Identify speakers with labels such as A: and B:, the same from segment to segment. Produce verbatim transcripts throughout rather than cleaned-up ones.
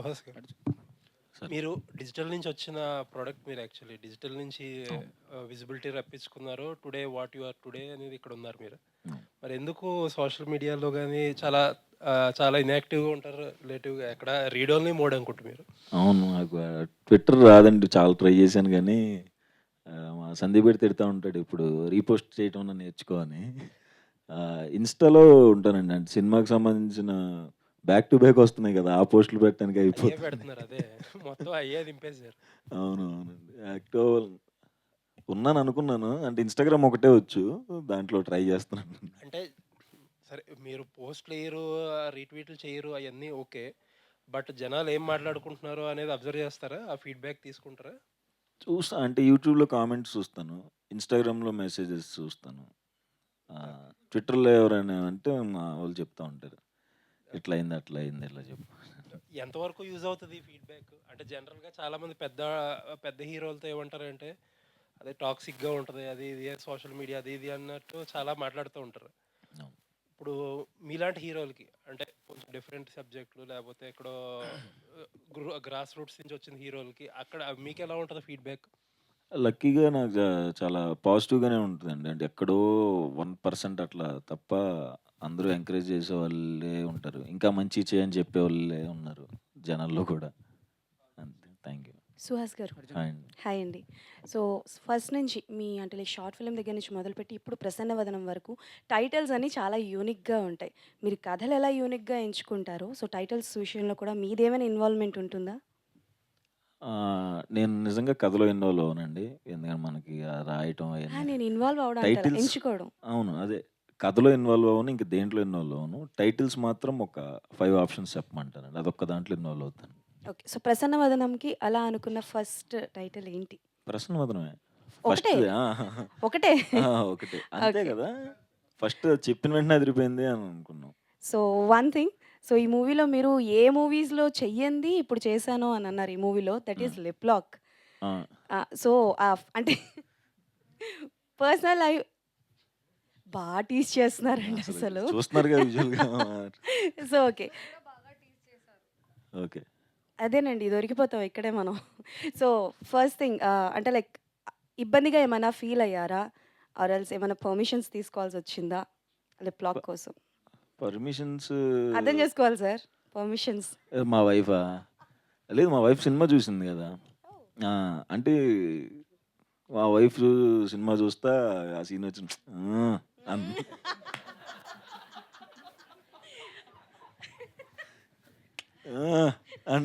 A: భాస్కర్,
B: సరే.
A: మీరు డిజిటల్ నుంచి వచ్చిన ప్రోడక్ట్ మీరు యాక్చువల్లీ డిజిటల్ నుంచి
B: అవును.
A: ఆహ్, విజిబిలిటీ రప్పించుకున్నారు. Today what you are today అనేది ఇక్కడ ఉన్నారు మీరు.
B: అవును.
A: మరి ఎందుకు సోషల్ మీడియాలో గాని చాలా ఆహ్, చాలా ఇన్‌యాక్టివ్‌గా ఉంటారు. రిలేటివ్‌గా ఎక్కడ రీడ్ ఓన్లీ మోడ్ అనుకుంట మీరు.
B: అవును. నాకు ఆహ్, ట్విట్టర్ రాదండి. చాలా ట్రై చేశాను గానీ, ఆహ్, మా సందీప్ గాడు తిడతా ఉంటాడు ఇప్పుడు రీపోస్ట్ చేయటం అన్నా నేర్చుకో అని. ఆహ్, ఇన్‌స్టాలో ఉంటానండి. అంటే సినిమాకి సంబంధించిన బ్యాక్ టు బ్యాక్ వస్తున్నాయి కదా! ఆ పోస్టులు పెట్టడానికి
A: అయ్యే
B: అయిపోతుంది.
A: పెడుతున్నారు అదే. మొత్తం అయ్యే దింపేసారు.
B: అవును. అవునండి. యాక్టివ్ ఉన్నాననుకున్నాను. అంటే ఇన్‌స్టాగ్రామ్ ఒకటే వచ్చు. దాంట్లో ట్రై చేస్తున్నాను.
A: అంటే సరే మీరు పోస్ట్‌లు ఎయ్యరు, రీట్వీట్లు చేయరు అయన్నీ ఓకే. బట్ జనాలు ఏం మాట్లాడుకుంటున్నారో అనేది అబ్జర్వ్ చేస్తారా? ఆ ఫీడ్‌బ్యాక్ తీసుకుంటారా?
B: చూస్తా అంటే యూట్యూబ్‌లో కామెంట్స్ చూస్తాను. ఇన్‌స్టాగ్రామ్‌లో మెసేజెస్ చూస్తాను. ఆహ్,
A: ఓకే.
B: ట్విట్టర్‌లో ఎవరైనా అంటే మా వోళ్ళు చెప్తా ఉంటారు. ఇట్లా అయింది, అట్లా అయింది ఇట్లా చెప్పు.
A: ఎంతవరకు యూజ్ అవుతది ఈ ఫీడ్‌బ్యాక్? అంటే జనరల్‌గా చాలామంది పెద్ద పెద్ద హీరోలతో ఏమంటారంటే, అదే టాక్సిక్‌గా ఉంటది. అది ఇది సోషల్ మీడియా అది ఇది అన్నట్టు చాలా మాట్లాడుతూ ఉంటారు.
B: అవును.
A: ఇప్పుడు మీలాంటి హీరోలకి అంటే కొంచెం డిఫరెంట్ సబ్జెక్ట్‌లు లేపోతే ఎక్కడో గ్రూ గ్రాస్ రూట్స్ నుంచి వచ్చిన హీరోలకి అక్కడ మీకెలా ఉంటది ఫీడ్‌బ్యాక్?
B: లక్కీగా నాకు జా చాలా పాజిటివ్‌గానే ఉంటదండి. అంటే ఎక్కడో ఒక పర్సెంట్ అట్లా తప్ప అందరూ ఎంకరేజ్ చేసేవాళ్ళే ఉంటారు. ఇంకా మంచియి చెయ్యని చెప్పేవాళ్ళే ఉన్నారు జనాల్లో కూడా. అంతే. Thank you.
C: సుహాస్ గారు.
B: హాయ్ అండి.
C: హాయ్ అండి. సో, ఫస్ట్ నుంచి మీ అంటే లైక్ షార్ట్ ఫిల్మ్ దగ్గర నుంచి మొదలుపెట్టి ఇప్పుడు 'ప్రసన్నవదనం' వరకు టైటిల్స్ అన్నీ చాలా యూనిక్‌గా ఉంటాయి. మీరు కథలు ఎలా యూనిక్‌గా ఎంచుకుంటారో, సో టైటిల్స్ విషయంలో కూడా మీదేమైనా ఇన్వాల్వ్‌మెంట్ ఉంటుందా?
B: ఆహ్, నేను నిజంగా కథలో ఇన్వాల్వ్ అవ్వనండి. ఎందుకంటే మనకి ఆహ్, రాయటం
C: ఆ!
B: అయన్నీ
C: నేను ఇన్వాల్వ్ అవ్వడం అంటారా?
B: టైటిల్స్
C: ఎంచుకోవడం.
B: అవును. అదే. కథలో ఇన్వాల్వ్ అవ్వను. ఇంక దేంట్లో ఇన్వాల్వ్ అవ్వను. టైటిల్స్ మాత్రం ఒక ఐదు ఆప్షన్స్ చెప్పమంటారండి. అదొక్క దాంట్లో ఇన్వాల్వ్ అవుతాను.
C: ఓకే. సో, 'ప్రసన్నవదనంకి' అలా అనుకున్న ఫస్ట్ టైటిల్ ఏంటి?
B: ప్రశ్నవదనమే.
C: ఒకటే.
B: ఫస్ట్‌ది ఆ!
C: ఒకటే.
B: ఆ! ఒకటే. అంతే
C: ఓకే.
B: గదా! ఫస్ట్ చెప్పిన వెంటనే అదిరిపోయింది అని అనుకున్నాం.
C: So, one thing. సో, ఈ మూవీలో మీరు ఏ మూవీస్‌లో చెయ్యంది ఇప్పుడు చేశాను అని అన్నారు ఈ మూవీలో. That
B: hmm.
C: Is lip lock.
B: ఆ!
C: ఆ! సో, ఆహ్, అంటే పర్సనల్ లైఫ్ బా టీజ్ చేస్తున్నారండి
B: అసలు
C: అసలు.
B: చూస్తున్నారుగా విజువల్‌గా.
C: So, okay.
B: ఓకే.
C: అదేనండి దొరికిపోతాం ఇక్కడే మనం. సో, ఫస్ట్ థింగ్ ఆహ్, అంటే లైక్ ఇబ్బందిగా ఏమైనా ఫీల్ అయ్యారా? ఆర్ ఎల్స్ ఏమైనా పర్మిషన్స్ తీసుకోవాల్సొచ్చిందా? లిప్
B: ప
C: లాక్ కోసం?
B: పర్మిషన్స్
C: అర్థం చేసుకోవాలి సార్ పర్మిషన్స్.
B: మా వైఫా? లేదు మా వైఫ్ సినిమా చూసింది గదా! ఆ! అంటే మా వైఫ్ సినిమా చూస్తా ఆ సీన్ వచ్చి హ్మ్. అన్ ఆ! అన్న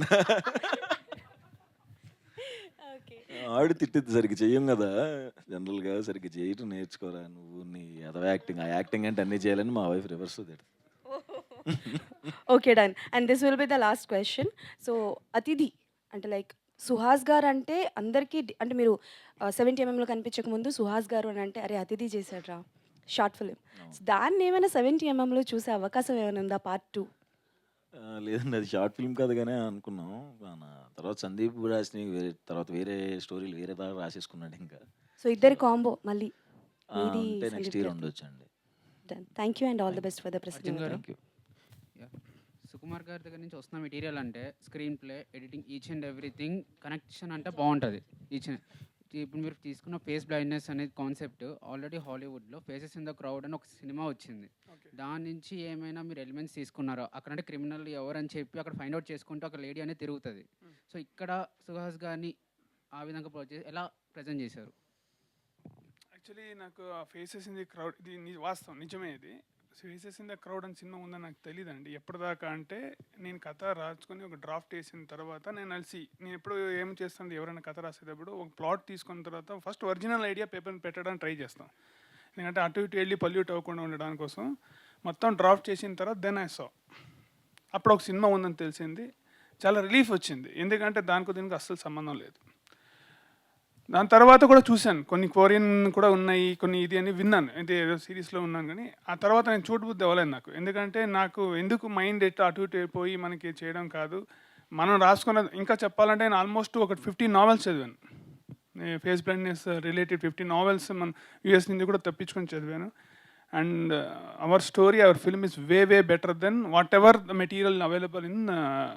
C: ఓకే.
B: ఆవిడ తిట్టిద్ది సరిగ్గా చెయ్యం గదా! జనరల్‌గా సరిగ్గా చేయటం నేర్చుకోరా నువ్వు నీ ఎదవ యాక్టింగ్. ఆ యాక్టింగ్ అంటే అన్నీ చేయాలని మా వైఫ్ రివర్స్‌లో తిడతది.
C: Okay. Done. And this will be the last question. So, 'Athidhi' అంటే లైక్ సుహాస్ గారంటే అందరికీ డి అంటే మీరు ఆహ్, డెబ్బై ఎంఎంలో కనిపించకముందు సుహాస్ గారు అనంటే అరే! 'అతిథి' చేశాడురా షార్ట్ ఫిల్మ్.
B: అవును.
C: సో, దాన్నేమైనా డెబ్బై ఎంఎంలో చూసే అవకాశం ఏమైనా ఉందా పార్ట్ టూ?
B: ఆ! లేదండి అది షార్ట్ ఫిల్మ్ కథగానే అనుకున్నాం. మన తర్వాత సందీప్ రాసినవి వేరే తర్వాత వేరే స్టోరీలు వేరే దాకా రాసేసుకున్నాడింకా.
C: సో,
B: సో,
C: ఇద్దరి కాంబో మళ్ళీ
B: ఆ!
C: మీది
B: ఉంటే నెక్స్ట్
C: సందీప్
B: ఇయర్
C: గారిది.
B: ఉండొచ్చండి.
C: Done. Thank you and all the
B: thank
C: best for the
D: Arjun garu.
C: Prasannavadanam.
B: Thank you.
D: Yeah! Sukumar గారి దగ్గర నుంచి వస్తున్న మెటీరియల్ అంటే screen play, editing each and everything connection అంటే బావుంటది. ఈచ్ అండ్ ఇప్పుడు మీరు తీసుకున్న ఫేస్ బ్లైండ్‌నెస్ అనేది కాన్సెప్ట్ ఆల్రెడీ హాలీవుడ్‌లో 'ఫేసెస్ ఇన్ ద క్రౌడ్' అని ఒక సినిమా వచ్చింది.
A: ఓకే.
D: దాని నుంచి ఏమైనా మీరు ఎలిమెంట్స్ తీసుకున్నారా? అక్కడంటే క్రిమినల్ ఎవరని చెప్పి అక్కడ ఫైండ్ ఔట్ చేసుకుంటూ ఒక లేడీ అనేది తిరుగుతది.
A: హ్మ్.
D: సో, ఇక్కడ సుహాస్ గారిని ఆ విధంగా ప్రొ చే ఎలా ప్రెజెంట్ చేశారు?
E: యాక్చువల్లీ నాకు ఆ 'ఫేసెస్ ఇన్ ది క్రౌడ్' ఇది ని వాస్తవం నిజమే ఇది. 'ఫేసెస్ ఇన్ ద క్రౌడ్' అని సినిమా ఉందని నాకు తెలీదండి. ఎప్పటిదాకా అంటే నేను కథ రాసుకొని ఒక డ్రాఫ్ట్ వేసిన తర్వాత నేను అలిసి నేను ఎప్పుడు ఏం చేస్తాను ఎవరైనా కథ రాసేటప్పుడు ఒక ప్లాట్ తీసుకున్న తర్వాత ఫస్ట్ ఒరిజినల్ ఐడియా పేపర్‌ని పెట్టడానికి ట్రై చేస్తాం. ఎందుకంటే అటు ఇటు వెళ్ళి పొల్యూట్ అవ్వకుండా ఉండడానికి కోసం మొత్తం డ్రాఫ్ట్ చేసిన తర్వాత దెన్ ఐ సా. అప్పుడు ఒక సినిమా ఉందని తెలిసింది. చాలా రిలీఫ్ వచ్చింది. ఎందుకంటే దానికి దీనికి అస్సలు సంబంధం లేదు. దాని తర్వాత కూడా చూశాను. కొన్ని కొరియన్ కూడా ఉన్నాయి. కొన్ని ఇది అని విన్నాను. అంటే ఏదో సీరీస్‌లో ఉన్నాను గానీ, ఆ తర్వాత నేను చూడబుద్ధి అవ్వలేదు నాకు. ఎందుకంటే నాకు ఎందుకు మైండ్ ఎటు అటు ఇటు పోయి మనకి చేయడం కాదు. మనం రాసుకున్న ఇంకా చెప్పాలంటే నేను ఆల్మోస్ట్ ఒక పదిహేను నావెల్స్ చదివాను. ఈ ఫేస్ బ్లైండ్‌నెస్ రిలేటెడ్ పదిహేను నావెల్స్ మన యూఎస్ నుంచి కూడా తెప్పించుకొని చదివాను. And our story, our film is way way better then whatever the material available in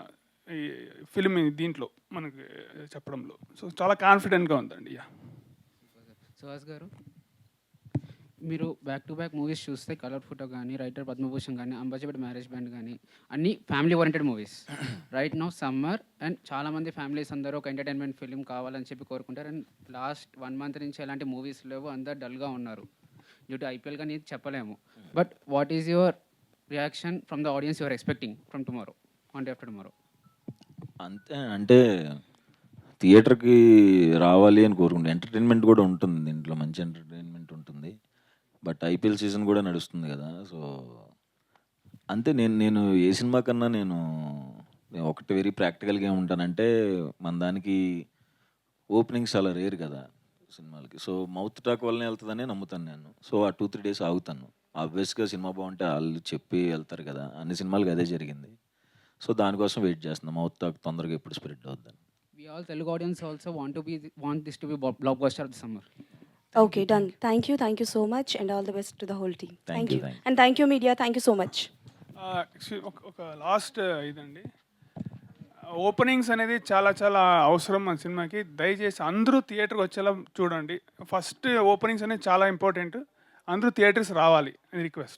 E: ఈ ఫిల్మ్ దీంట్లో మనకి చెప్పడంలో. సో చాలా కాన్ఫిడెంట్గా ఉందండి. యా
D: సుహాస్ గారు, మీరు బ్యాక్ టు బ్యాక్ మూవీస్ చూస్తే కలర్ ఫోటో కానీ, రైటర్ పద్మభూషణ్ కానీ, అంబాజీపేట మ్యారేజ్ బ్యాండ్ కానీ అన్నీ family oriented movies. Right now summer and చాలామంది ఫ్యామిలీస్ అందరూ ఒక ఎంటర్టైన్మెంట్ ఫిల్మ్ కావాలని చెప్పి కోరుకుంటారు. అండ్ లాస్ట్ వన్ మంత్ నుంచి ఎలాంటి మూవీస్ లేవు, అందరు డల్గా ఉన్నారు. డ్యూ టు ఐపీఎల్ కానీ చెప్పలేము. But what is your reaction from the audience your expecting from tomorrow, one day after tomorrow?
B: అంతే అంటే థియేటర్కి రావాలి అని కోరుకుంటే ఎంటర్టైన్మెంట్ కూడా ఉంటుంది దీంట్లో, మంచి ఎంటర్టైన్మెంట్ ఉంటుంది. బట్ ఐపీఎల్ సీజన్ కూడా నడుస్తుంది కదా, సో అంతే. నేను నేను ఏ సినిమా కన్నా నేను నేను ఒకటి వెరీ ప్రాక్టికల్గా ఏముంటానంటే, మన దానికి ఓపెనింగ్స్ చాలా రేర్ కదా సినిమాలకి. సో మౌత్ టాక్ వల్లనే వెళ్తుందనే నమ్ముతాను నేను. సో ఆ టూ త్రీ డేస్ ఆగుతాను. ఆబ్వియస్గా సినిమా బాగుంటే వాళ్ళు చెప్పి వెళ్తారు కదా, అన్ని సినిమాలకి అదే జరిగింది. సో దానికోసం వెయిట్ చేస్తున్నాం, మౌత్ టాక్ తొందరగా ఎప్పుడు స్ప్రెడ్ అవుద్దని.
D: We all Telugu audience also want to be want this to be bo- blockbuster of the summer.
C: Okay, done. Thank you. Thank you so much. And all the best to the whole team.
B: Thank
C: Thank
B: you,
C: you.
B: thank you.
C: And thank you, media. Thank you so much.
E: ఒక ఒక last ఇదండి, openings అనేది చాలా చాలా అవసరం మన సినిమాకి. దయచేసి అందరూ థియేటర్కి వచ్చేలా చూడండి. ఫస్ట్ ఓపెనింగ్స్ అనేది చాలా ఇంపార్టెంట్. అందరూ థియేటర్స్ రావాలి, రిక్వెస్ట్.